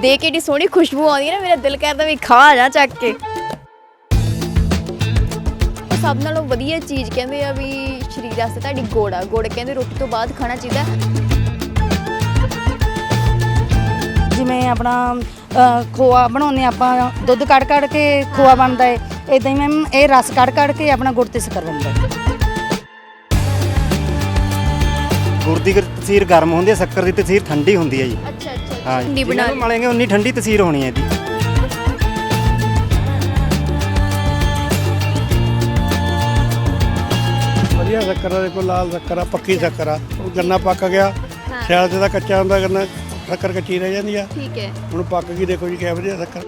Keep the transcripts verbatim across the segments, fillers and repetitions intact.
देख के एडी सोहनी खुशबू आती है ना, मेरा दिल करता भी खा जा चक के। सब नालों वधिया चीज़ कहते हैं भी शरीर वास्ते तुहाडी गुड़ आ। गुड़ कहते रोटी तो बाद खाना चाहिए। जिमें अपना खोआ बनाने आप दुध कड़ कड़ के खोआ बनता है, इदा ही मैम ये रस कड़ कड़ के अपना गुड़ ते शक्कर बनता है। गुड़ की तसीर गर्म होती है, शक्कर की तसीर ठंडी होती है जी। अच्छा अच्छा हाँ, ठंडी बना मलेंगे उन्नी ठंडी तसीर होनी है जी। ਵਧੀਆ ਸ਼ੱਕਰ ਆ, ਦੇਖੋ ਲਾਲ ਸ਼ੱਕਰ ਆ, ਪੱਕੀ ਸ਼ੱਕਰ ਆ। ਉਹ ਗੰਨਾ ਪੱਕ ਗਿਆ, ਸਿਆਲ ਤੇ ਤਾਂ ਕੱਚਾ ਹੁੰਦਾ ਗੰਨਾ, ਸ਼ੱਕਰ ਕੱਚੀ ਰਹਿ ਜਾਂਦੀ ਆ। ठीक है। ਹੁਣ ਪੱਕ ਗਈ, ਦੇਖੋ ਜੀ ਕਿਆ ਵਧੀਆ ਸ਼ੱਕਰ।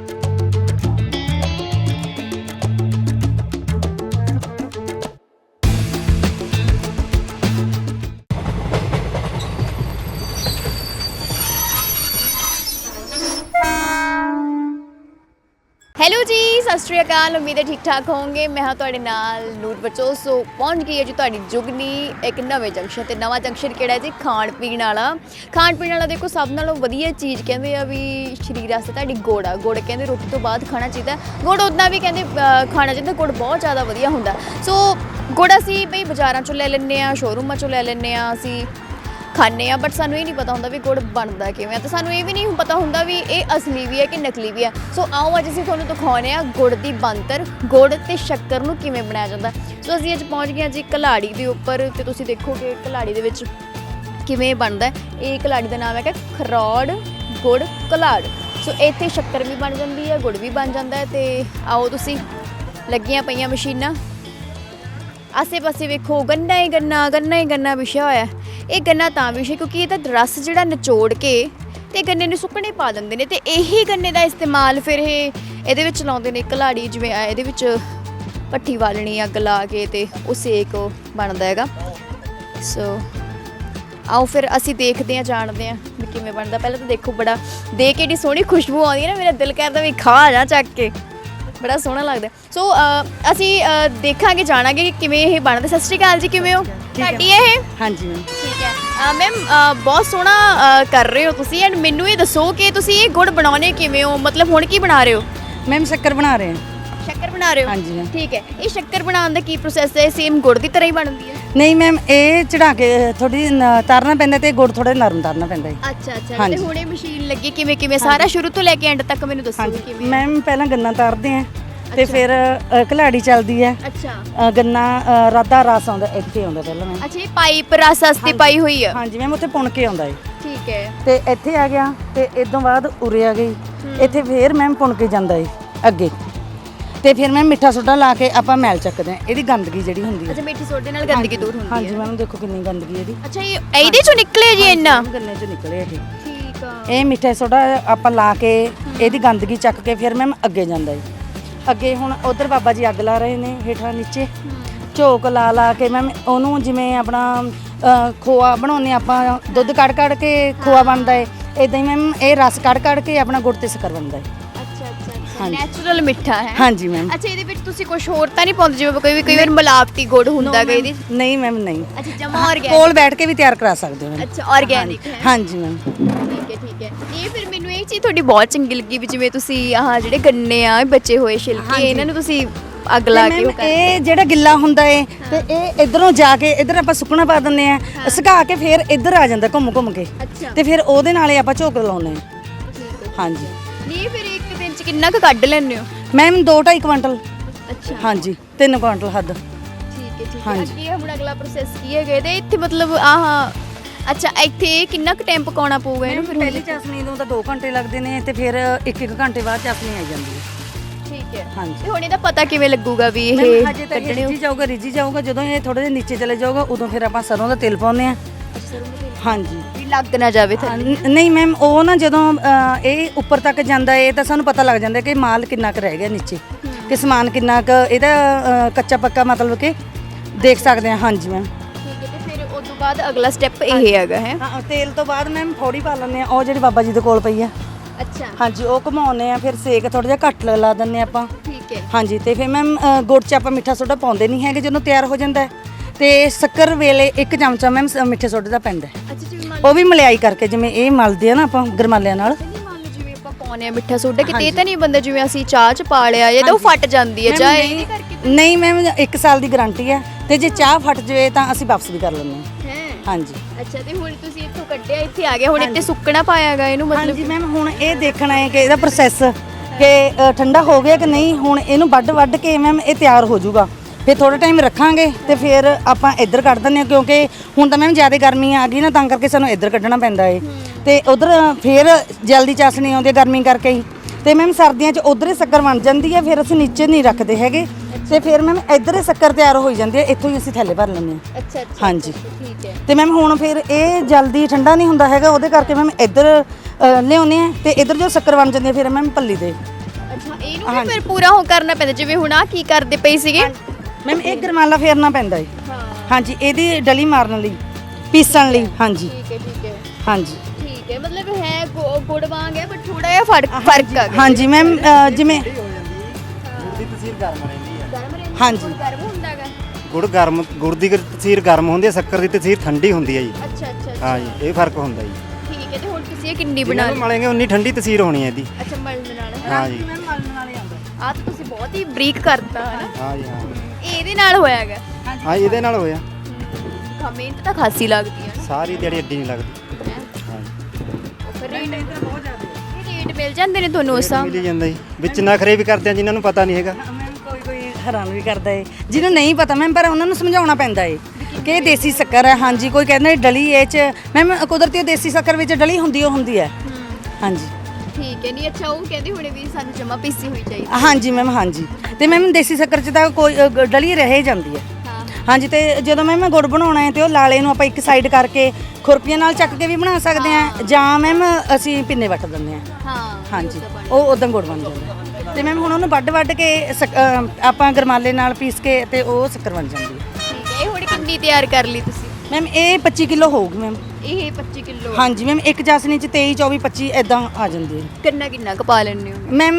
ਹੈਲੋ ਜੀ, ਸਤਿ ਸ਼੍ਰੀ ਅਕਾਲ। ਉਮੀਦ ਹੈ ਠੀਕ ਠਾਕ ਹੋਵੋਗੇ। ਮੈਂ ਹਾਂ ਤੁਹਾਡੇ ਨਾਲ ਨੂਰ ਬਚੋ। ਸੋ ਪਹੁੰਚ ਗਈ ਹੈ ਜੀ ਤੁਹਾਡੀ ਜੁਗਨੀ ਇੱਕ ਨਵੇਂ ਜੰਕਸ਼ਨ ਤੇ। ਨਵਾਂ ਜੰਕਸ਼ਨ ਕਿਹੜਾ ਜੀ? ਖਾਣ ਪੀਣ ਵਾਲਾ। ਖਾਣ ਪੀਣ ਵਾਲਾ ਦੇਖੋ ਸਭ ਨਾਲੋਂ ਵਧੀਆ ਚੀਜ਼ ਕਹਿੰਦੇ ਆ ਵੀ ਸਰੀਰ ਵਾਸਤੇ ਤੁਹਾਡੀ ਗੁੜ ਆ। ਗੁੜ ਕਹਿੰਦੇ ਰੋਟੀ ਤੋਂ ਬਾਅਦ ਖਾਣਾ ਚਾਹੀਦਾ। ਗੁੜ ਉੱਦਾਂ ਵੀ ਕਹਿੰਦੇ ਖਾਣਾ ਚਾਹੀਦਾ, ਗੁੜ ਬਹੁਤ ਜ਼ਿਆਦਾ ਵਧੀਆ ਹੁੰਦਾ। ਸੋ ਗੁੜ ਅਸੀਂ ਬਈ ਬਾਜ਼ਾਰਾਂ 'ਚੋਂ ਲੈ ਲੈਂਦੇ ਹਾਂ, ਸ਼ੋਰੂਮਾਂ 'ਚੋਂ ਲੈ ਲੈਂਦੇ ਹਾਂ, ਅਸੀਂ ਖਾਂਦੇ ਹਾਂ, ਬਟ ਸਾਨੂੰ ਇਹ ਨਹੀਂ ਪਤਾ ਹੁੰਦਾ ਵੀ ਗੁੜ ਬਣਦਾ ਕਿਵੇਂ। ਤੇ ਸਾਨੂੰ ਇਹ ਵੀ ਨਹੀਂ ਪਤਾ ਹੁੰਦਾ ਵੀ ਇਹ ਅਸਲੀ ਵੀ ਹੈ ਕਿ ਨਕਲੀ ਵੀ ਹੈ। ਸੋ ਆਓ ਅੱਜ ਅਸੀਂ ਤੁਹਾਨੂੰ ਦਿਖਾਉਂਦੇ ਹਾਂ ਗੁੜ ਦੀ ਬਣਤਰ, ਗੁੜ ਤੇ ਸ਼ੱਕਰ ਨੂੰ ਕਿਵੇਂ ਬਣਾਇਆ ਜਾਂਦਾ। ਸੋ ਅਸੀਂ ਅੱਜ ਪਹੁੰਚ ਗਏ ਹਾਂ ਜੀ ਕਲਾੜੀ ਦੇ ਉੱਪਰ, ਤੇ ਤੁਸੀਂ ਦੇਖੋਗੇ ਕਲਾੜੀ ਦੇ ਵਿੱਚ ਕਿਵੇਂ ਬਣਦਾ। ਇਹ ਕਲਾੜੀ ਦਾ ਨਾਮ ਹੈਗਾ ਖਰੋੜ ਗੁੜ ਕਲਾੜ। ਸੋ ਇੱਥੇ ਸ਼ੱਕਰ ਵੀ ਬਣ ਜਾਂਦੀ ਹੈ, ਗੁੜ ਵੀ ਬਣ ਜਾਂਦਾ ਹੈ। ਤੇ ਆਓ ਤੁਸੀਂ, ਲੱਗੀਆਂ ਪਈਆਂ ਮਸ਼ੀਨਾਂ, ਆਸੇ ਪਾਸੇ ਵੇਖੋ ਗੰਨਾ ਹੀ ਗੰਨਾ ਗੰਨਾ ਹੀ ਗੰਨਾ ਵਿਛਿਆ ਹੋਇਆ। ਇਹ ਗੰਨਾ ਤਾਂ ਵਿਛੇ ਕਿਉਂਕਿ ਇਹਦਾ ਰਸ ਜਿਹੜਾ ਨਿਚੋੜ ਕੇ ਤੇ ਗੰਨੇ ਨੂੰ ਸੁੱਕਣੇ ਪਾ ਦਿੰਦੇ ਨੇ, ਤੇ ਇਹੀ ਗੰਨੇ ਦਾ ਇਸਤੇਮਾਲ ਫਿਰ ਇਹ ਇਹਦੇ ਵਿੱਚ ਲਾਉਂਦੇ ਨੇ। ਕਲਾੜੀ ਜਿਵੇਂ ਇਹਦੇ ਵਿੱਚ ਭੱਠੀ ਬਾਲਣੀ ਅੱਗ ਲਾ ਕੇ ਤੇ ਉਹ ਸੇਕ ਬਣਦਾ ਹੈਗਾ। ਸੋ ਆਓ ਫਿਰ ਅਸੀਂ ਦੇਖਦੇ ਹਾਂ, ਜਾਣਦੇ ਹਾਂ ਵੀ ਕਿਵੇਂ ਬਣਦਾ। ਪਹਿਲਾਂ ਤਾਂ ਦੇਖੋ, ਬੜਾ ਦੇਖ ਕੇ ਏਡੀ ਸੋਹਣੀ ਖੁਸ਼ਬੂ ਆਉਂਦੀ ਹੈ ਨਾ, ਮੇਰਾ ਦਿਲ ਕਰਦਾ ਵੀ ਖਾ ਜਾ ਚੱਕ ਕੇ, ਬੜਾ ਸੋਹਣਾ ਲੱਗਦਾ। ਸੋ ਅਸੀਂ ਦੇਖਾਂਗੇ, ਜਾਣਾਂਗੇ ਕਿ ਕਿਵੇਂ ਇਹ ਬਣਦਾ। ਸਤਿ ਸ਼੍ਰੀ ਅਕਾਲ ਜੀ, ਕਿਵੇਂ ਹੋ? ਤੁਹਾਡੀ ਇਹ? ਹਾਂਜੀ ਮੈਮ। ਠੀਕ ਹੈ ਮੈਮ, ਬਹੁਤ ਸੋਹਣਾ ਕਰ ਰਹੇ ਹੋ ਤੁਸੀਂ। ਐਂਡ ਮੈਨੂੰ ਇਹ ਦੱਸੋ ਕਿ ਤੁਸੀਂ ਇਹ ਗੁੜ ਬਣਾਉਣੇ ਕਿਵੇਂ ਹੋ? ਮਤਲਬ ਹੁਣ ਕੀ ਬਣਾ ਰਹੇ ਹੋ? ਮੈਮ ਸ਼ੱਕਰ ਬਣਾ ਰਹੇ ਹਾਂ। ਸ਼ੱਕਰ ਬਣਾ ਰਹੇ ਹੋ? ਹਾਂਜੀ ਮੈਮ। ਠੀਕ ਹੈ। ਇਹ ਸ਼ੱਕਰ ਬਣਾਉਣ ਦਾ ਕੀ ਪ੍ਰੋਸੈਸ ਹੈ? ਸੇਮ ਗੁੜ ਦੀ ਤਰ੍ਹਾਂ ਹੀ ਬਣਦੀ ਹੈ? ਨਹੀਂ ਮੈਮ, ਇਹ ਚੜਾ ਕੇ ਥੋੜੀ ਤਰਨਾ ਪੈਂਦਾ ਤੇ ਗੁੜ ਥੋੜਾ ਨਰਮ ਤਰਨਾ ਪੈਂਦਾ ਹੈ। ਅੱਛਾ ਅੱਛਾ। ਤੇ ਹੁਣ ਇਹ ਮਸ਼ੀਨ ਲੱਗੀ ਕਿਵੇਂ ਕਿਵੇਂ ਸਾਰਾ ਸ਼ੁਰੂ ਤੋਂ ਲੈ ਕੇ ਐਂਡ ਤੱਕ ਮੈਨੂੰ ਦੱਸੋ ਕਿਵੇਂ? ਮੈਮ ਪਹਿਲਾਂ ਗੰਨਾ ਤਾਰਦੇ ਆ ਤੇ ਫਿਰ ਕਲਾੜੀ ਚੱਲਦੀ ਹੈ। ਅੱਛਾ। ਗੰਨਾ ਰਾਦਾ ਰਸ ਆਉਂਦਾ, ਇੱਥੇ ਆਉਂਦਾ ਪਹਿਲਾਂ ਮੈਮ। ਅੱਛਾ, ਇਹ ਪਾਈਪ ਰਸ ਵਾਸਤੇ ਪਾਈ ਹੋਈ ਹੈ? ਹਾਂਜੀ ਮੈਮ, ਉੱਥੇ ਪੁਣ ਕੇ ਆਉਂਦਾ ਹੈ। ਠੀਕ ਹੈ। ਤੇ ਇੱਥੇ ਆ ਗਿਆ ਤੇ ਇਦੋਂ ਬਾਅਦ ਉਰੇ ਆ ਗਈ, ਇੱਥੇ ਫੇਰ ਮੈਮ ਪੁਣ ਕੇ ਜਾਂਦਾ ਹੈ ਅੱਗੇ, ਤੇ ਫਿਰ ਮੈਂ ਮਿੱਠਾ ਸੋਡਾ ਲਾ ਕੇ ਆਪਾਂ ਮੈਲ ਚੱਕਦੇ ਹਾਂ ਇਹਦੀ ਗੰਦਗੀ ਜਿਹੜੀ ਹੁੰਦੀ ਹੈ। ਅੱਛਾ, ਮਿੱਠੀ ਸੋਡੇ ਨਾਲ ਗੰਦਗੀ ਦੂਰ ਹੁੰਦੀ ਹੈ? ਹਾਂਜੀ ਮੈਮ, ਦੇਖੋ ਕਿੰਨੀ ਗੰਦਗੀ ਇਹਦੀ। ਅੱਛਾ, ਇਹ ਇਹਦੇ ਚੋਂ ਨਿਕਲੇ ਜੀ ਇੰਨਾ? ਗੰਨੇ ਚੋਂ ਨਿਕਲੇ ਇਹ। ਠੀਕ ਆ। ਇਹ ਮਿੱਠਾ ਸੋਡਾ ਆਪਾਂ ਲਾ ਕੇ ਇਹਦੀ ਗੰਦਗੀ ਚੱਕ ਕੇ ਫਿਰ ਮੈਮ ਅੱਗੇ ਜਾਂਦਾ ਹੈ। ਅੱਗੇ ਹੁਣ ਉਧਰ ਬਾਬਾ ਜੀ ਅੱਗ ਲਾ ਰਹੇ ਨੇ, ਹੇਠਾਂ ਨੀਚੇ ਝੋਕ ਲਾ ਲਾ ਕੇ ਮੈਮ ਉਹਨੂੰ ਜਿਵੇਂ ਆਪਣਾ ਖੋਆ ਬਣਾਉਂਦੇ ਆਪਾਂ, ਦੁੱਧ ਕੜ ਕੜ ਕੇ ਖੋਆ ਬਣਦਾ ਹੈ, ਇਦਾਂ ਹੀ ਮੈਮ ਇਹ ਰਸ ਕੜ ਕੜ ਕੇ ਆਪਣਾ ਗੁੜ ਤੇ ਸ਼ੱਕਰ ਬਣਦਾ ਹੈ। ਅੱਛਾ ਅੱਛਾ, ਨੈਚੁਰਲ ਮਿੱਠਾ ਹੈ। ਹਾਂਜੀ ਮੈਮ। ਅੱਛਾ, ਇਹਦੇ ਵਿੱਚ ਤੁਸੀਂ ਕੁਝ ਹੋਰ ਤਾਂ ਨਹੀਂ ਪਾਉਂਦੇ ਜਿਵੇਂ ਕੋਈ ਵੀ ਕਈ ਵਾਰ ਮਿਲਾਵਟੀ ਗੁੜ ਹੁੰਦਾ ਗਾ ਇਹਦੇ? ਨਹੀਂ ਮੈਮ, ਨਹੀਂ। ਅੱਛਾ, ਜਮਾ ਆਰਗੈਨਿਕ ਕੋਲ ਬੈਠ ਕੇ ਵੀ ਤਿਆਰ ਕਰਾ ਸਕਦੇ ਹੋ। ਅੱਛਾ, ਆਰਗੈਨਿਕ ਹੈ। ਹਾਂਜੀ ਮੈਮ। ਠੀਕ ਹੈ ਠੀਕ ਹੈ। ਇਹ ਫਿਰ ਮੈਨੂੰ ਇਹ ਚੀਜ਼ ਤੁਹਾਡੀ ਬਹੁਤ ਚੰਗੀ ਲੱਗੀ ਵੀ ਜਿਵੇਂ ਤੁਸੀਂ ਆਹ ਜਿਹੜੇ ਗੰਨੇ ਆ ਬਚੇ ਹੋਏ ਛਿਲਕੇ, ਇਹਨਾਂ ਨੂੰ ਤੁਸੀਂ ਅੱਗ ਲਾ ਕੇ ਇਹ ਜਿਹੜਾ ਗਿੱਲਾ ਹੁੰਦਾ ਏ ਤੇ ਇਹ ਇਧਰੋਂ ਜਾ ਕੇ ਇਧਰ ਆਪਾਂ ਸੁੱਕਣਾ ਪਾ ਦਿੰਦੇ ਆ, ਸੁਕਾ ਕੇ ਫਿਰ ਇਧਰ ਆ ਜਾਂਦਾ ਘੁੰਮ ਘੁੰਮ ਕੇ, ਤੇ ਫਿਰ ਉਹਦੇ ਨਾਲ ਹੀ ਆਪਾਂ ਝੋਕ ਲਾਉਂਦੇ ਆ। ਹਾਂਜੀ। ਨਹੀਂ, ਫਿਰ ਇੱਕ ਦਿਨ ਚ ਕਿੰਨਾ ਕੁ ਕੱਢ ਲੈਂਦੇ ਹੋ? ਮੈਮ ਦੋ ਢਾਈ ਕੁਇੰਟਲ। ਅੱਛਾ। ਹਾਂਜੀ, ਤਿੰਨ ਕੁਇੰਟਲ ਹੱਦ। ਠੀਕ ਹੈ ਠੀਕ ਹੈ। ਅੱਗੇ ਹੁਣ ਅਗਲਾ ਪ੍ਰੋਸੈਸ ਕੀ ਹੈਗਾ ਇਹਦੇ? ਇੱਥੇ ਮਤਲਬ ਆਹ ਅੱਛਾ, ਇੱਥੇ ਕਿੰਨਾ ਕੁ ਟਾਈਮ ਪਕਾਉਣਾ ਪਊਗਾ ਇਹਨੂੰ? ਫਿਰ ਪਹਿਲੀ ਚਾਸਣੀ ਨੂੰ ਤਾਂ ਦੋ ਘੰਟੇ ਲੱਗਦੇ ਨੇ ਤੇ ਫਿਰ ਇੱਕ ਇੱਕ ਘੰਟੇ ਬਾਅਦ ਚਾਸਣੀ ਆ ਜਾਂਦੀ ਹੈ। ਠੀਕ ਹੈ। ਹਾਂਜੀ। ਤੇ ਹੁਣ ਇਹਦਾ ਪਤਾ ਕਿਵੇਂ ਲੱਗੂਗਾ ਵੀ ਇਹ ਹਜੇ ਤਾਂ ਰਿੱਝੀ ਜਾਊਗਾ ਰਿੱਝੀ ਜਾਊਗਾ ਜਦੋਂ ਇਹ ਥੋੜੇ ਜਿਹਾ ਨੀਚੇ ਚਲੇ ਜਾਊਗਾ ਉਦੋਂ ਫਿਰ ਆਪਾਂ ਸਰੋਂ ਦਾ ਤੇਲ ਪਾਉਂਦੇ ਆ। ਹਾਂਜੀ, ਵੀ ਲੱਗ ਨਾ ਜਾਵੇ ਥੱਲੇ? ਨਹੀਂ ਮੈਮ, ਉਹ ਨਾ ਜਦੋਂ ਇਹ ਉੱਪਰ ਤੱਕ ਜਾਂਦਾ ਹੈ ਤਾਂ ਸਾਨੂੰ ਪਤਾ ਲੱਗ ਜਾਂਦਾ ਕਿ ਮਾਲ ਕਿੰਨਾ ਕੁ ਰਹਿ ਗਿਆ ਨੀਚੇ, ਕਿ ਸਮਾਨ ਕਿੰਨਾ ਕੁ ਇਹਦਾ ਕੱਚਾ ਪੱਕਾ ਮਤਲਬ ਕਿ ਦੇਖ ਸਕਦੇ ਹਾਂ। ਹਾਂਜੀ ਮੈਮ। ਠੀਕ ਹੈ। ਤੇ ਫਿਰ ਉਸ ਤੋਂ ਬਾਅਦ ਅਗਲਾ ਸਟੈਪ ਇਹ ਹੈਗਾ ਹੈ? ਹਾਂ, ਤੇਲ ਤੋਂ ਬਾਅਦ ਮੈਮ ਫੋੜੀ ਪਾ ਲੈਂਦੇ ਆ, ਉਹ ਜਿਹੜੀ ਬਾਬਾ ਜੀ ਦੇ ਕੋਲ ਪਈ ਆ। ਅੱਛਾ। ਹਾਂਜੀ, ਉਹ ਘੁਮਾਉਂਦੇ ਆ, ਫਿਰ ਸੇਕ ਥੋੜਾ ਜਿਹਾ ਘੱਟ ਲਾ ਦਿੰਦੇ ਆਪਾਂ। ਠੀਕ ਹੈ। ਹਾਂਜੀ, ਤੇ ਫਿਰ ਮੈਮ ਗੁੜ 'ਚ ਆਪਾਂ ਮਿੱਠਾ ਸੋਡਾ ਪਾਉਂਦੇ ਨਹੀਂ ਹੈਗੇ ਜਦੋਂ ਤਿਆਰ ਹੋ ਜਾਂਦਾ, ਤੇ ਸ਼ੱਕਰ ਵੇਲੇ ਇੱਕ ਚਮਚਾ ਮੈਮ ਮਿੱਠੇ ਸੋਡੇ ਦਾ ਪੈਂਦਾ। ਅੱਛਾ ਜੀ। ਉਹ ਵੀ ਮਲਾਈ ਕਰਕੇ ਜਿਵੇਂ ਇਹ ਮਲਦੇ ਆ ਨਾ ਆਪਾਂ ਗਰਮਾਲਿਆਂ ਨਾਲ। ਮੰਨ ਲਓ ਜਿਵੇਂ ਆਪਾਂ ਪਾਉਂਦੇ ਆ ਮਿੱਠਾ ਸੋਡਾ ਕਿਤੇ ਇਹ ਤਾਂ ਨਹੀਂ ਬੰਦਾ ਜਿਵੇਂ ਅਸੀਂ ਚਾਹ ਚ ਪਾ ਲਿਆ ਜਾਂ ਤਾਂ ਉਹ ਫਟ ਜਾਂਦੀ ਹੈ ਚਾਹ ਇਹਦੇ ਕਰਕੇ ਨਹੀਂ ਮੈਮ ਇੱਕ ਸਾਲ ਦੀ ਗਾਰੰਟੀ ਹੈ ਤੇ ਜੇ ਚਾਹ ਫਟ ਜਾਵੇ ਤਾਂ ਅਸੀਂ ਵਾਪਸ ਵੀ ਕਰ ਲੈਂਦੇ ਹਾਂ ਹੈ ਹਾਂਜੀ। ਅੱਛਾ ਤੇ ਹੁਣ ਤੁਸੀਂ ਇੱਥੋਂ ਕੱਢਿਆ ਇੱਥੇ ਆ ਗਏ ਹੁਣ ਇੱਥੇ ਸੁੱਕਣਾ ਪਾਇਆਗਾ ਇਹਨੂੰ ਮਤਲਬ ਹਾਂਜੀ ਮੈਮ ਹੁਣ ਇਹ ਦੇਖਣਾ ਹੈ ਕਿ ਇਹਦਾ ਪ੍ਰੋਸੈਸ ਕਿ ਅ, ਠੰਡਾ ਹੋ ਗਿਆ ਕਿ ਨਹੀਂ। ਹੁਣ ਇਹਨੂੰ ਵੱਢ ਵੱਢ ਕੇ ਮੈਮ ਇਹ ਤਿਆਰ ਹੋ ਜਾਊਗਾ ਫਿਰ ਥੋੜਾ ਟਾਈਮ ਰੱਖਾਂਗੇ ਤੇ ਫਿਰ ਆਪਾਂ ਇੱਧਰ ਕੱਢ ਦਿੰਦੇ ਹਾਂ ਕਿਉਂਕਿ ਹੁਣ ਤਾਂ ਮੈਮ ਜ਼ਿਆਦਾ ਗਰਮੀ ਆ ਗਈ ਨਾ ਤਾਂ ਕਰਕੇ ਸਾਨੂੰ ਇੱਧਰ ਕੱਢਣਾ ਪੈਂਦਾ ਏ ਤੇ ਉਧਰ ਫਿਰ ਜਲਦੀ ਚਾਸਣੀ ਆਉਂਦੀ ਹੈ ਗਰਮੀ ਕਰਕੇ ਹੀ ਤੇ ਮੈਮ ਸਰਦੀਆਂ 'ਚ ਉਧਰ ਹੀ ਸ਼ੱਕਰ ਬਣ ਜਾਂਦੀ ਹੈ ਫਿਰ ਅਸੀਂ ਨੀਚੇ ਨਹੀਂ ਰੱਖਦੇ ਹੈਗੇ ਤੇ ਫਿਰ ਮੈਮ ਇੱਧਰ ਹੀ ਸ਼ੱਕਰ ਤਿਆਰ ਹੋ ਜਾਂਦੀ ਹੈ ਇੱਥੋਂ ਹੀ ਅਸੀਂ ਥੈਲੇ ਭਰ ਲੈਂਦੇ ਹਾਂ। ਅੱਛਾ ਅੱਛਾ ਹਾਂਜੀ ਠੀਕ ਹੈ ਤੇ ਮੈਮ ਹੁਣ ਫਿਰ ਇਹ ਜਲਦੀ ਠੰਡਾ ਨਹੀਂ ਹੁੰਦਾ ਹੈਗਾ ਉਹਦੇ ਕਰਕੇ ਮੈਮ ਇੱਧਰ ਅ, ਲਿਆਉਂਦੇ ਆ ਤੇ ਇੱਧਰ ਜੋ ਸ਼ੱਕਰ ਬਣ ਜਾਂਦੀ ਹੈ ਫਿਰ ਮੈਮ ਪੱਲੀ ਦੇ ਅੱਛਾ ਇਹਨੂੰ ਵੀ ਫਿਰ ਪੂਰਾ ਹੋ ਕਰਨਾ ਪੈਂਦਾ ਜਿਵੇਂ ਹੁਣ ਆ ਕੀ ਕਰਦੇ ਪਈ ਸੀਗੇ ਮੈਮ ਇਹ ਗਰਮਾਲਾ ਫੇਰਨਾ ਪੈਂਦਾ ਹੈ ਹਾਂ ਹਾਂਜੀ ਇਹਦੀ ਡਲੀ ਮਾਰਨ ਲਈ ਪੀਸਣ ਲਈ ਹਾਂਜੀ ਠੀਕ ਹੈ ਠੀਕ ਹੈ ਹਾਂਜੀ ਠੀਕ ਹੈ ਮਤਲਬ ਹੈ ਗੁ- ਗੁੜ ਵਾਂਗ ਹੈ ਬਟ ਥੋੜਾ ਜਿਹਾ ਫਰਕ ਫਰਕ ਆ ਗਿਆ ਹਾਂਜੀ ਮੈਮ ਜਿਵੇਂ ਗੁੜ ਦੀ ਤਸੀਰ ਗਰਮ ਰਹਿੰਦੀ ਹੈ। ਗਰਮ ਰਹਿੰਦਾ ਹਾਂਜੀ। ਗੁੜ ਗਰਮ ਹੁੰਦਾਗਾ ਗੁੜ ਗਰਮ ਗੁੜ ਦੀ ਤਸੀਰ ਗਰਮ ਹੁੰਦੀ ਹੈ, ਸ਼ੱਕਰ ਦੀ ਤਸੀਰ ਠੰਡੀ ਹੁੰਦੀ ਹੈ ਜੀ। ਅੱਛਾ ਅੱਛਾ ਅੱਛਾ ਹਾਂ ਜੀ, ਇਹ ਫਰਕ ਹੁੰਦਾ ਜੀ। ਠੀਕ ਹੈ ਤੇ ਹੁਣ ਤੁਸੀਂ ਇਹ ਕਿੰਨੀ ਜਿੰਨਾ ਬਣਾ ਨੂੰ ਲਈ ਮਲੇਂਗੇ ਉਨੀ ਠੰਡੀ ਤਸੀਰ ਹੋਣੀ ਹੈ ਇਹਦੀ। ਅੱਛਾ ਮਲਣ ਨਾਲ ਹਾਂ ਜੀ ਮੈਮ ਮਲਣ ਵਾਲੇ ਆਉਂਦਾ ਆ ਤਾਂ ਤੁਸੀਂ ਬਹੁਤ ਹੀ ਬਰੀਕ ਕਰਤਾ ਹੈ ਨਾ ਹਾਂ ਜੀ ਹਾਂ ਇਹ ਇਹਦੇ ਨਾਲ ਹੋਇਆਗਾ ਹਾਂ ਇਹਦੇ ਨਾਲ ਹੋਇਆ ਕਮੈਂਟ ਤਾਂ ਖਾਸੀ ਲੱਗਦੀ ਹੈ ਸਾਰੀ ਦਿਹਾੜੀ ਅੱਡੀ ਨਹੀਂ ਲੱਗਦੀ। ਨਾ ਹਾਂ ਜੀ ਫਿਰ ਰੇਟ ਬਹੁਤ ਜ਼ਿਆਦਾ ਇਹ ਰੇਟ ਮਿਲ ਜਾਂਦੇ ਨੇ ਤੁਹਾਨੂੰ ਉਸ ਹਿਸਾਬ ਮਿਲ ਹੀ ਜਾਂਦਾ ਜੀ ਵਿੱਚ ਨਖਰੇ ਵੀ ਕਰਦੇ ਆ ਜਿਨ੍ਹਾਂ ਨੂੰ ਪਤਾ ਨਹੀਂ ਹੈਗਾ। ਮੈਮ ਕੋਈ ਕੋਈ ਹੈਰਾਨ ਵੀ ਕਰਦਾ ਏ ਜਿਹਨੂੰ ਨਹੀਂ ਪਤਾ ਮੈਮ ਪਰ ਉਹਨਾਂ ਨੂੰ ਸਮਝਾਉਣਾ ਪੈਂਦਾ ਏ ਕਿ ਇਹ ਦੇਸੀ ਸ਼ੱਕਰ ਹੈ ਹਾਂਜੀ ਕੋਈ ਕਹਿੰਦਾ ਡਲੀ ਇਹ ਚ ਮੈਮ ਕੁਦਰਤੀ ਉਹ ਦੇਸੀ ਸ਼ੱਕਰ ਵਿੱਚ ਡਲੀ ਹੁੰਦੀ ਉਹ ਹੁੰਦੀ ਹੈ ਹਾਂਜੀ ਠੀਕ ਹੈ ਨਹੀਂ ਅੱਛਾ ਉਹ ਕਹਿੰਦੇ ਹੁਣੇ ਵੀ ਸਾਨੂੰ ਜਮਾ ਪੀਸੀ ਹੋਈ ਚਾਹੀਦੀ ਹਾਂਜੀ ਮੈਮ ਹਾਂਜੀ ਤੇ ਮੈਮ ਦੇਸੀ ਸ਼ੱਕਰ ਚ ਤਾਂ ਕੋਈ ਅ, ਗ- ਡਲੀ ਰਹਿ ਜਾਂਦੀ ਹੈ ਹਾਂ ਹਾਂਜੀ ਤੇ ਜਦੋਂ ਮੈਮ ਗੁੜ ਬਣਾਉਣਾ ਹੈ ਤੇ ਉਹ ਲਾਲੇ ਨੂੰ ਆਪਾਂ ਇੱਕ ਸਾਈਡ ਕਰਕੇ ਖੁਰਪੀਆਂ ਨਾਲ ਚੱਕ ਕੇ ਵੀ ਬਣਾ ਸਕਦੇ ਹਾਂ ਜਾਂ ਮੈਮ ਅਸੀਂ ਪਿੰਨੇ ਵੱਟ ਦਿੰਦੇ ਹਾਂ ਹਾਂ ਹਾਂਜੀ ਉਹ ਉਦੋਂ ਗੁੜ ਬਣ ਜਾਂਦਾ ਤੇ ਮੈਮ ਹੁਣ ਉਹਨੂੰ ਵੱਡ ਵੱਡ ਕੇ ਸ਼ੱਕ- ਅ, ਆਪਾਂ ਗਰਮਾਲੇ ਨਾਲ ਪੀਸ ਕੇ ਤੇ ਉਹ ਸ਼ੱਕਰ ਬਣ ਜਾਂਦੀ ਹੈ ਠੀਕ ਹੈ ਇਹ ਹੁਣ ਕਿੰਨੀ ਤਿਆਰ ਕਰ ਲਈ ਤੁਸੀਂ ਮੈਮ ਇਹ ਪੱਚੀ ਕਿਲੋ ਹੋਊਗੀ ਮੈਮ ਇਹ ਪੱਚੀ ਕਿਲੋ ਹਾਂਜੀ ਮੈਮ ਇੱਕ ਚਾਸਨੀ ਚ ਤੇਈ ਚੌਵੀ ਪੱਚੀ ਇਦਾਂ ਆ ਜਾਂਦੀ ਹੈ ਕਿੰਨਾ ਕਿੰਨਾ ਕੁ ਪਾ ਲੈਣੇ ਹੋ ਮੈਮ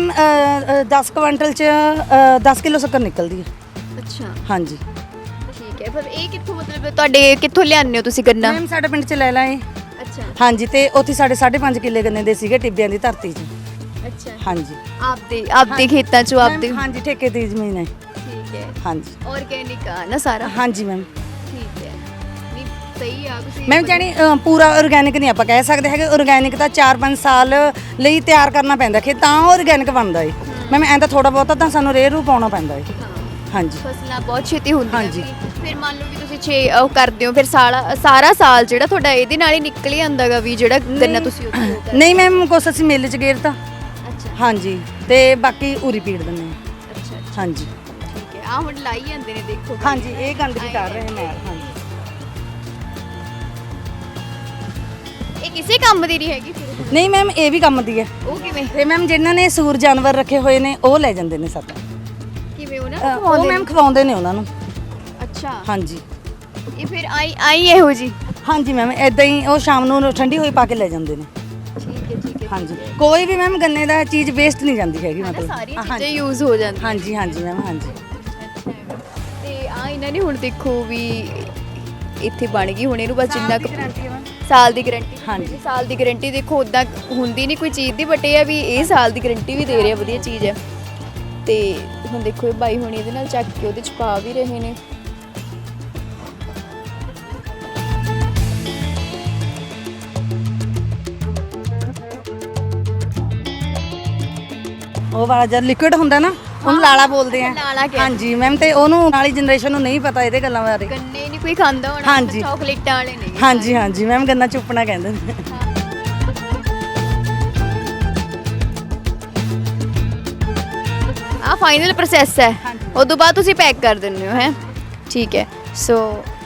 ਦਸ ਕੁਇੰਟਲ ਚ ਦਸ ਕਿਲੋ ਸ਼ੱਕਰ ਨਿਕਲਦੀ ਹੈ ਅੱਛਾ ਹਾਂਜੀ ਠੀਕ ਹੈ ਫਿਰ ਇਹ ਕਿੱਥੋਂ ਮਤਲਬ ਤੁਹਾਡੇ ਕਿੱਥੋਂ ਲਿਆਉਂਦੇ ਹੋ ਤੁਸੀਂ ਗੰਨਾ ਮੈਮ ਸਾਡੇ ਪਿੰਡ ਚ ਲੈ ਲਾਏ ਅੱਛਾ ਹਾਂਜੀ ਤੇ ਉੱਥੇ ਸਾਡੇ ਸਾਢੇ ਪੰਜ ਕਿੱਲੇ ਗੰਨੇ ਦੇ ਸੀਗੇ ਟਿੱਬਿਆਂ ਦੀ ਧਰਤੀ 'ਚ ਅੱਛਾ ਹਾਂਜੀ ਆਪਦੇ ਆਪਦੇ ਖੇਤਾਂ ਚੋਂ ਆਪਦੇ ਮੈਮ, ਹਾਂਜੀ ਠੇਕੇ ਦੀ ਜ਼ਮੀਨ ਹੈ ਠੀਕ ਹੈ ਹਾਂਜੀ ਆਰਗੇਨਿਕ ਆ ਨਾ ਸਾਰਾ ਹਾਂਜੀ ਮੈਮ ਠੀਕ ਹੈ ਨਹੀਂ ਸਹੀ ਆ ਤੁਸੀਂ ਮੈਮ ਜਾਨੀ ਅ, ਪੂਰਾ ਆਰਗੈਨਿਕ ਨਹੀਂ ਆਪਾਂ ਕਹਿ ਸਕਦੇ ਹੈਗੇ ਆਰਗੈਨਿਕ ਤਾਂ ਚਾਰ ਪੰਜ ਸਾਲ ਲਈ ਤਿਆਰ ਕਰਨਾ ਪੈਂਦਾ ਕਿ ਤਾਂ ਆਰਗੈਨਿਕ ਬਣਦਾ ਏ ਮੈਮ ਐਂ ਤਾਂ ਥੋੜਾ ਬਹੁਤਾ ਤਾਂ ਸਾਨੂੰ ਰੇਹ ਰੂ ਪਾਉਣਾ ਪੈਂਦਾ ਏ ਹਾਂ ਹਾਂਜੀ ਫਸਲਾਂ ਬਹੁਤ ਛੇਤੀ ਹੁੰਦੀਆਂ ਹਾਂਜੀ। ਵੀ। ਫਿਰ ਮੰਨ ਲਓ ਵੀ ਤੁਸੀਂ ਛੇ ਉਹ ਕਰਦੇ ਹੋ ਫਿਰ ਸਾਲਾ ਸਾਰਾ ਸਾਲ ਜਿਹੜਾ ਤੁਹਾਡਾ ਇਹਦੇ ਨਾਲ ਹੀ ਨਿਕਲ ਹੀ ਆਂਦਾਗਾ ਵੀ ਜਿਹੜਾ ਗੰਨਾ ਤੁਸੀਂ ਉੱਥੇ ਉਹ ਕਰਦੇ ਨਹੀਂ ਮੈਮ ਕੁਛ ਅਸੀਂ ਮਿਲ ਚ ਗੇਰਤਾ ਅੱਛਾ ਹਾਂਜੀ ਤੇ ਬਾਕੀ ਉਰੀ ਪੀੜ ਦਿੰਦੇ ਹਾਂ ਅੱਛਾ ਅੱਛਾ, ਹਾਂਜੀ ਠੀਕ ਹੈ ਆ ਹੁਣ ਲਾਈ ਜਾਂਦੇ ਨੇ ਦੇਖੋ ਹਾਂਜੀ ਇਹ ਗੰਦਗੀ ਕਰ ਰਹੇ ਨੇ ਹਾਂਜੀ ਇਹ ਕਿਸੇ ਕੰਮ ਦੀ ਨਹੀਂ ਹੈਗੀ ਫਿਰ ਨਹੀਂ ਮੈਮ ਇਹ ਵੀ ਕੰਮ ਦੀ ਹੈ ਉਹ ਕਿਵੇਂ ਤੇ ਮੈਮ ਜਿਨ੍ਹਾਂ ਨੇ ਸੂਰ ਜਾਨਵਰ ਰੱਖੇ ਹੋਏ ਨੇ ਉਹ ਲੈ ਜਾਂਦੇ ਨੇ ਸਾਡਾ ਕਿਵੇਂ ਉਹਨਾਂ ਅ, ਨੂੰ ਉਹ ਖਵਾਉਂਦੇ ਮੈਮ ਖਵਾਉਂਦੇ ਨੇ ਉਹਨਾਂ ਨੂੰ ਨੇ? ਅੱਛਾ ਹਾਂਜੀ ਇਹ ਫਿਰ ਆਈ ਆਈ ਇਹੋ ਜੀ ਹਾਂਜੀ ਮੈਮ ਇਦਾਂ ਹੀ ਉਹ ਸ਼ਾਮ ਨੂੰ ਠੰਡੀ ਹੋਈ ਪਾ ਕੇ ਲੈ ਜਾਂਦੇ ਨੇ ਠੀਕ ਹੈ ਠੀਕ ਹੈ ਹਾਂਜੀ ਕੋਈ ਵੀ ਮੈਮ ਗੰਨੇ ਦਾ ਚੀਜ਼ ਵੇਸਟ ਨਹੀਂ ਜਾਂਦੀ ਹੈਗੀ ਹਨਾ ਮਤਲਬ ਸਾਰੀਆਂ ਹਾਂਜੀ। ਚੀਜ਼ਾਂ ਯੂਜ਼ ਹੋ ਜਾਂਦੀਆਂ ਹਾਂਜੀ ਹਾਂਜੀ ਮੈਮ ਹਾਂਜੀ ਅੱਛਾ ਹੈਗਾ। ਤੇ ਆ ਇਹਨਾਂ ਨੇ ਹੁਣ ਦੇਖੋ ਵੀ ਇੱਥੇ ਬਣ ਗਈ ਹੁਣ ਇਹਨੂੰ ਬਸ ਜਿੰਨਾ ਕੁ ਸਾਲ ਦੀ ਗਾਰੰਟੀ ਹਾਂਜੀ। ਸਾਲ ਦੀ ਗਾਰੰਟੀ ਦੇਖੋ ਉਦਾਂ ਹੁੰਦੀ ਨਹੀਂ ਕੋਈ ਚੀਜ਼ ਦੀ ਬਟ ਇਹ ਆ ਵੀ ਇਹ ਸਾਲ ਦੀ ਗਾਰੰਟੀ ਵੀ ਦੇ ਰਿਹਾ ਵਧੀਆ ਚੀਜ਼ ਹੈ ਤੇ ਹੁਣ ਦੇਖੋ ਇਹ ਬਾਈ ਹੁਣ ਇਹਦੇ ਨਾਲ ਚੱਕ ਕੇ ਉਹਦੇ ਚ ਪਾ ਵੀ ਰਹੇ ਨੇ ਉਹ ਵਾਲਾ ਜਦ ਲਿਕੁਇਡ ਹੁੰਦਾ ਨਾ ਉਹਨੂੰ ਲਾਲਾ ਬੋਲਦੇ ਆ ਲਾਲਾ ਕਹਿੰਦੇ। ਹਾਂਜੀ ਮੈਮ ਤੇ ਉਹਨੂੰ ਨਾਲੀ ਜਨਰੇਸ਼ਨ ਨੂੰ ਨਹੀਂ ਪਤਾ ਇਹਦੇ ਗੱਲਾਂ ਬਾਰੇ ਗੰਨੇ ਨਹੀਂ ਕੋਈ ਖਾਂਦਾ ਹੋਣਾ ਹਾਂਜੀ। ਚਾਕਲੇਟਾਂ ਵਾਲੇ ਨੇ ਹਾਂਜੀ ਹਾਂਜੀ ਮੈਮ ਗੰਨਾ ਚੁੱਪਣਾ ਕਹਿੰਦੇ ਨੇ ਆ ਫਾਈਨਲ ਪ੍ਰੋਸੈਸ ਹੈ ਉਸ ਤੋਂ ਬਾਅਦ ਤੁਸੀਂ ਪੈਕ ਕਰ ਦਿੰਦੇ ਹੋ ਹੈ ਠੀਕ ਹੈ ਸੋ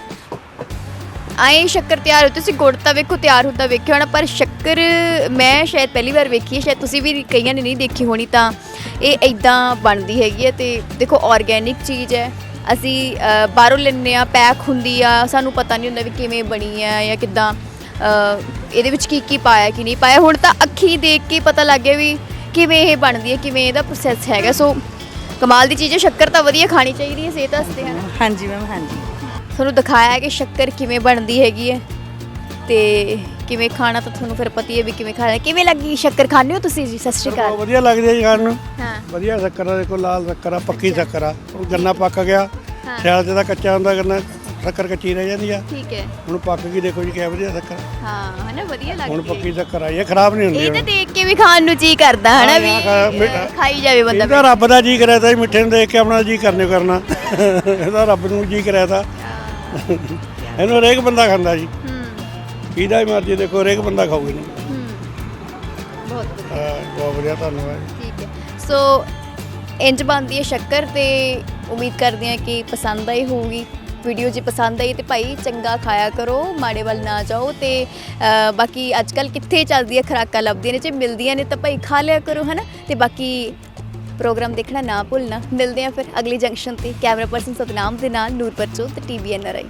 ਆਏ ਸ਼ੱਕਰ ਤਿਆਰ ਹੋ ਤੁਸੀਂ ਗੁੜ ਤਾਂ ਵੇਖੋ ਤਿਆਰ ਹੁੰਦਾ ਵੇਖਿਆ ਹੋਣਾ ਪਰ ਸ਼ੱਕਰ ਮੈਂ ਸ਼ਾਇਦ ਪਹਿਲੀ ਵਾਰ ਵੇਖੀ ਹੈ ਸ਼ਾਇਦ ਤੁਸੀਂ ਵੀ ਕਈਆਂ ਨੇ ਨਹੀਂ ਦੇਖੀ ਹੋਣੀ ਤਾਂ ਇਹ ਇਦਾਂ ਬਣਦੀ ਹੈਗੀ ਹੈ ਤੇ ਦੇਖੋ ਆਰਗੇਨਿਕ ਚੀਜ਼ ਹੈ ਅਸੀਂ ਅ, ਬਾਹਰੋਂ ਲੈਂਦੇ ਆ ਪੈਕ ਹੁੰਦੀ ਆ ਸਾਨੂੰ ਪਤਾ ਨਹੀਂ ਹੁੰਦਾ ਵੀ ਕਿਵੇਂ ਬਣੀ ਆ ਜਾਂ ਕਿੱਦਾਂ ਅ, ਇਹਦੇ ਵਿੱਚ ਕੀ ਕੀ ਪਾਇਆ ਕੀ ਨਹੀਂ ਪਾਇਆ ਹੁਣ ਤਾਂ ਅੱਖੀ ਦੇਖ ਕੇ ਪਤਾ ਲੱਗ ਗਿਆ ਵੀ ਕਿਵੇਂ ਇਹ ਬਣਦੀ ਹੈ ਕਿਵੇਂ ਇਹਦਾ ਪ੍ਰੋਸੈਸ ਹੈਗਾ ਸੋ ਕਮਾਲ ਦੀ ਚੀਜ਼ ਹੈ ਸ਼ੱਕਰ ਤਾਂ ਵਧੀਆ ਖਾਣੀ ਚਾਹੀਦੀ ਹੈ ਸਿਹਤ ਵਾਸਤੇ ਹੈ ਨਾ ਹਾਂਜੀ ਮੈਮ ਹਾਂਜੀ ਤੁਹਾਨੂੰ ਦਿਖਾਇਆ ਕਿ ਸ਼ੱਕਰ ਕਿਵੇਂ ਬਣਦੀ ਹੈਗੀ ਹੈ ਤੇ ਕਿਵੇਂ ਖਾਣਾ ਤਾਂ ਤੁਹਾਨੂੰ ਫਿਰ ਪਤਾ ਹੀ ਹੈ ਵੀ ਕਿਵੇਂ ਖਾਣਾ। ਕਿਵੇਂ ਲੱਗੀ ਸ਼ੱਕਰ ਖਾਂਦੇ ਹੋ ਤੁਸੀਂ ਜੀ? ਸਤਿ ਸ਼੍ਰੀ ਬਹੁਤ ਅਕਾਲ। ਵਧੀਆ ਲੱਗਦੀ ਹੈ ਜੀ ਖਾਣ ਨੂੰ। ਹਾਂ ਵਧੀਆ ਸ਼ੱਕਰ ਆ, ਦੇਖੋ ਲਾਲ ਸ਼ੱਕਰ ਆ, ਪੱਕੀ ਸ਼ੱਕਰ ਆ। ਉਹ ਗੰਨਾ ਪੱਕ ਗਿਆ, ਹਾਂ। ਸਿਆਲ 'ਚ ਤਾਂ ਕੱਚਾ ਹੁੰਦਾ ਗੰਨਾ, ਸ਼ੱਕਰ ਕੱਚੀ ਰਹਿ ਜਾਂਦੀ ਆ। ਠੀਕ ਹੈ। ਹੁਣ ਪੱਕ ਗਈ, ਦੇਖੋ ਜੀ ਕਿਆ ਵਧੀਆ ਸ਼ੱਕਰ। ਹਾਂ ਹਨਾ ਵਧੀਆ ਹੁਣ ਲੱਗਦੀ ਪੱਕੀ ਸ਼ੱਕਰ ਆਈ ਹੈ, ਖਰਾਬ ਨਹੀਂ ਹੁੰਦੀ ਇਹ ਤਾਂ ਹੁਣ। ਦੇਖ ਕੇ ਵੀ ਖਾਣ ਨੂੰ ਜੀ ਕਰਦਾ ਹਨਾ ਹਾਂ, ਵੀ ਖਾ- ਮਿੱਠਾ। ਅਹ, ਖਾਈ ਜਾਵੇ ਬੰਦਾ। ਇਹਦਾ ਰੱਬ ਦਾ ਜੀ ਕਰਿਆ ਤਾਂ ਜੀ, ਮਿੱਠੇ ਨੂੰ ਦੇਖ ਕੇ ਆਪਣਾ ਜੀ ਕਰਨੇ ਕਰਨਾ। ਇਹਦਾ ਰੱਬ ਨੂੰ ਜੀ ਕਰਿਆ ਤਾਂ ਇਹਨੂੰ ਹਰੇਕ ਬੰਦਾ ਖਾਂਦਾ ਜੀ, ਹੂੰ ਇਹਦਾ ਹੀ ਮਰਜ਼ੀ ਦੇਖੋ ਹਰੇਕ ਬੰਦਾ ਖਾਊਗਾ ਇਹਨੂੰ। ਹੂੰ ਬਹੁਤ ਵਧੀਆ। ਹਾਂ, ਬਹੁਤ ਵਧੀਆ, ਧੰਨਵਾਦ। ਠੀਕ ਹੈ। ਸੋ ਇੰਜ ਬਣਦੀ ਹੈ ਸ਼ੱਕਰ ਤੇ ਉਮੀਦ ਕਰਦੇ ਹਾਂ ਕਿ ਪਸੰਦ ਆਈ ਹੋਊਗੀ। ਵੀਡੀਓ ਜੇ ਪਸੰਦ ਆਈ ਤੇ ਭਾਈ ਚੰਗਾ ਖਾਇਆ ਕਰੋ, ਮਾੜੇ ਵੱਲ ਨਾ ਜਾਓ। ਤੇ ਅ, ਬਾਕੀ ਅੱਜ ਕੱਲ ਕਿੱਥੇ ਚੱਲਦੀਆਂ ਖੁਰਾਕਾਂ ਲੱਭਦੀਆਂ ਨੇ, ਜੇ ਮਿਲਦੀਆਂ ਨੇ ਤਾਂ ਭਾਈ ਖਾ ਲਿਆ ਕਰੋ ਹੈ ਨਾ। ਤੇ ਬਾਕੀ ਪ੍ਰੋਗਰਾਮ ਦੇਖਣਾ ਨਾ ਭੁੱਲਣਾ। ਮਿਲਦੇ ਹਾਂ ਫਿਰ ਅਗਲੀ ਜੰਕਸ਼ਨ ਤੇ। ਕੈਮਰਾ ਪਰਸਨ ਸਤਨਾਮ ਦੇ ਨਾਲ ਨੂਰ ਬਚੋਲ ਤੇ T V N R I.